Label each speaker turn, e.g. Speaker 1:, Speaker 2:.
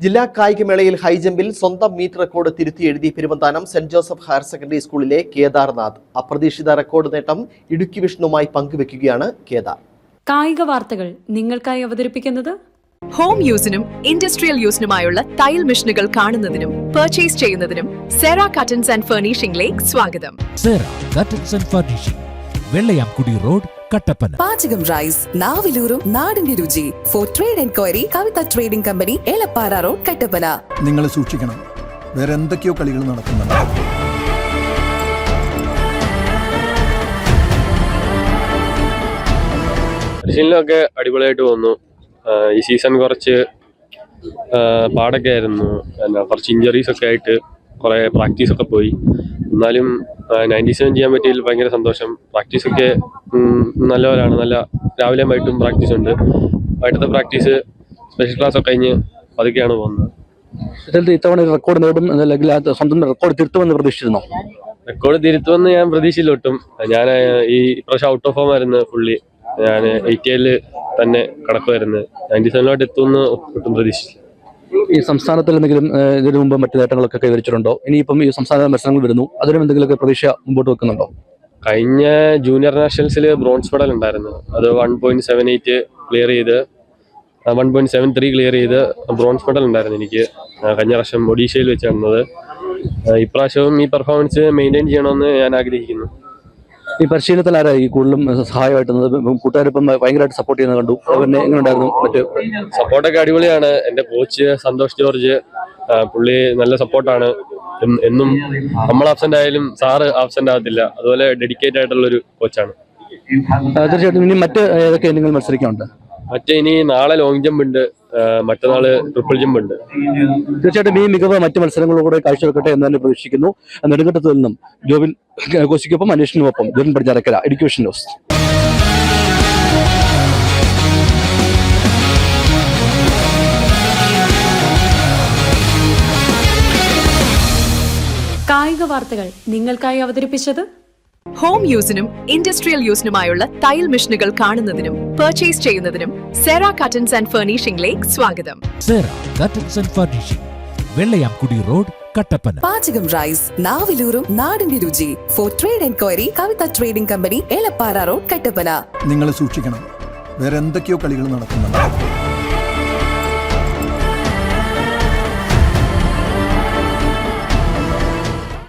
Speaker 1: ജില്ലാ കായികമേളയിൽ ഹൈജമ്പിൽ സ്വന്തം meet record തിരുത്തി എഴുതി പെരുവന്താനം സെന്റ് ജോസഫ് ഹയർ സെക്കൻഡറി സ്കൂളിലെ കേദാർനാഥ്. അപ്രതീക്ഷിത റെക്കോർഡ് നേട്ടം ഇടുക്കി വിഷ്ണുവുമായി പങ്കുവെക്കുകയാണ് കേദാർ.
Speaker 2: കായിക വാർത്തകൾ നിങ്ങൾക്കായി അവതരിപ്പിക്കുന്നത്
Speaker 3: ഹോം യൂസിനും ഇൻഡസ്ട്രിയൽ യൂസിനുമായുള്ള തയ്യൽ മെഷീനുകൾ കാണുന്നതിനും പർച്ചേസ് ചെയ്യുന്നതിനും സെറ കട്ടൻസ് ആൻഡ് ഫർണിഷിംഗിലേക്ക് സ്വാഗതം.
Speaker 4: Sera curtains and furnishing, Vellayamkudy road, Kattappana.
Speaker 5: Pachakam rice, നാവിലൂറും നാടിന്റെ രുചി. For trade enquiry Kavitha trading company, Elappara road, Kattappana.
Speaker 6: നിങ്ങൾ സൂക്ഷിക്കണം, വേറെ എന്തൊക്കെയോ കളികൾ നടക്കുന്നുണ്ട്.
Speaker 7: പരിശീലനമൊക്കെ അടിപൊളിയായിട്ട് വന്നു. ഈ സീസൺ കുറച്ച് പാടൊക്കെ ആയിരുന്നു, കുറച്ച് ഇഞ്ചറീസ് ഒക്കെ ആയിട്ട് കുറേ പ്രാക്ടീസൊക്കെ പോയി. എന്നാലും 97 ചെയ്യാൻ പറ്റിയതിൽ ഭയങ്കര സന്തോഷം. പ്രാക്ടീസൊക്കെ നല്ലവരാണ്, നല്ല രാവിലെയും വൈകിട്ടും പ്രാക്ടീസ് ഉണ്ട്. വൈകിട്ടത്തെ പ്രാക്ടീസ് സ്പെഷ്യൽ ക്ലാസ് ഒക്കെ കഴിഞ്ഞ് പതുക്കെയാണ് പോകുന്നത്.
Speaker 8: ഇത്തവണ റെക്കോർഡ് നേടും അല്ലെങ്കിൽ സ്വന്തം റെക്കോർഡ് തിരുത്തുമെന്ന് പ്രതീക്ഷിച്ചിരുന്നോ?
Speaker 7: റെക്കോർഡ് തിരുത്തുമെന്ന് ഞാൻ പ്രതീക്ഷയില്ല ഒട്ടും. ഞാൻ ഈ പ്രാവശ്യം ഔട്ട് ഓഫ് ഫോം ആയിരുന്നു ഫുള്ളി. ഞാൻ 80 തന്നെ കിടക്കുമായിരുന്നു. 97 എത്തുമെന്ന് ഒട്ടും പ്രതീക്ഷിച്ചില്ല.
Speaker 8: ഈ സംസ്ഥാനത്തിൽ എന്തെങ്കിലും ഇതിനു മുമ്പ് മറ്റു നേട്ടങ്ങളൊക്കെ കൈവരിച്ചിട്ടുണ്ടോ? ഇനിയിപ്പം ഈ സംസ്ഥാന മത്സരങ്ങൾ വരുന്നു, അതിനും എന്തെങ്കിലുമൊക്കെ പ്രതീക്ഷ മുമ്പോട്ട് വെക്കുന്നുണ്ടോ?
Speaker 7: കഴിഞ്ഞ ജൂനിയർ നാഷണൽസിൽ ബ്രോൺസ് മെഡൽ ഉണ്ടായിരുന്നു. അത് 1.78 ക്ലിയർ ചെയ്ത് 1.73 ക്ലിയർ ചെയ്ത് ബ്രോൺസ് മെഡൽ ഉണ്ടായിരുന്നു എനിക്ക്. കഴിഞ്ഞ വർഷം ഒഡീഷയിൽ വെച്ച് നടന്നത്. ഇപ്രാവശ്യവും ഈ പെർഫോമൻസ് മെയിൻറ്റെയിൻ ചെയ്യണമെന്ന് ഞാൻ ആഗ്രഹിക്കുന്നു.
Speaker 8: ഈ പരിശീലനത്തിൽ ആരാ ഈ കൂടുതലും സഹായമായിട്ടുള്ളത്? കൂട്ടുകാരിപ്പം ഭയങ്കരമായിട്ട് സപ്പോർട്ട് ചെയ്യുന്നത് കണ്ടു. പിന്നെ എങ്ങനെ ഉണ്ടായിരുന്നു? മറ്റ്
Speaker 7: സപ്പോർട്ടൊക്കെ അടിപൊളിയാണ്. എൻ്റെ കോച്ച് സന്തോഷ് ജോർജ്, പുള്ളി നല്ല സപ്പോർട്ടാണ്. എന്നും നമ്മൾ ആബ്സെന്റ് ആയാലും സാറ് ആബ്സെന്റ് ആകത്തില്ല. അതുപോലെ ഡെഡിക്കേറ്റ് ആയിട്ടുള്ളൊരു കോച്ചാണ്.
Speaker 8: തീർച്ചയായിട്ടും. ഇനി മറ്റ് ഏതൊക്കെ നിങ്ങൾ മത്സരിക്കാനുണ്ട്?
Speaker 7: ഇനി നാളെ ലോങ് ജമ്പ് ഉണ്ട്, മറ്റന്നാള് ട്രിപ്പിൾ ജമ്പ് ഉണ്ട്.
Speaker 8: തീർച്ചയായിട്ടും ഈ മികവ് മറ്റ് മത്സരങ്ങളിലൂടെ കാഴ്ചവെക്കട്ടെ എന്ന് തന്നെ പ്രതീക്ഷിക്കുന്നു. നെടുങ്കണ്ടത്ത് നിന്നും ജോബിൻ കോശിക്കൊപ്പം അന്വേഷണത്തിനൊപ്പം ജോബിൻ പടിഞ്ഞാറക്കര, ഇടുക്കി വിഷൻ ന്യൂസ്.
Speaker 2: കായിക വാർത്തകൾ നിങ്ങൾക്കായി അവതരിപ്പിച്ചത്
Speaker 3: ഹോം യൂസിനും ഇൻഡസ്ട്രിയൽ യൂസിനുമായുള്ള തയ്യൽ മെഷീനുകൾ കാണുന്നതിനും പർച്ചേസ് ചെയ്യുന്നതിനും സെറ കട്ടൻസ് ആൻഡ് ഫർണിഷിംഗിലേക്ക് സ്വാഗതം.
Speaker 4: Sera curtains and furnishing, Vellayamkudy road, Kattappana.
Speaker 5: Pachakam rice, നാവിലൂറും നാടിന്റെ രുചി. For trade enquiry Kavitha trading company, Elappara road, Kattappana.
Speaker 6: നിങ്ങൾ സൂക്ഷിക്കണം, വേറെ എന്തൊക്കെയോ കളികൾ നടക്കുന്നുണ്ട്.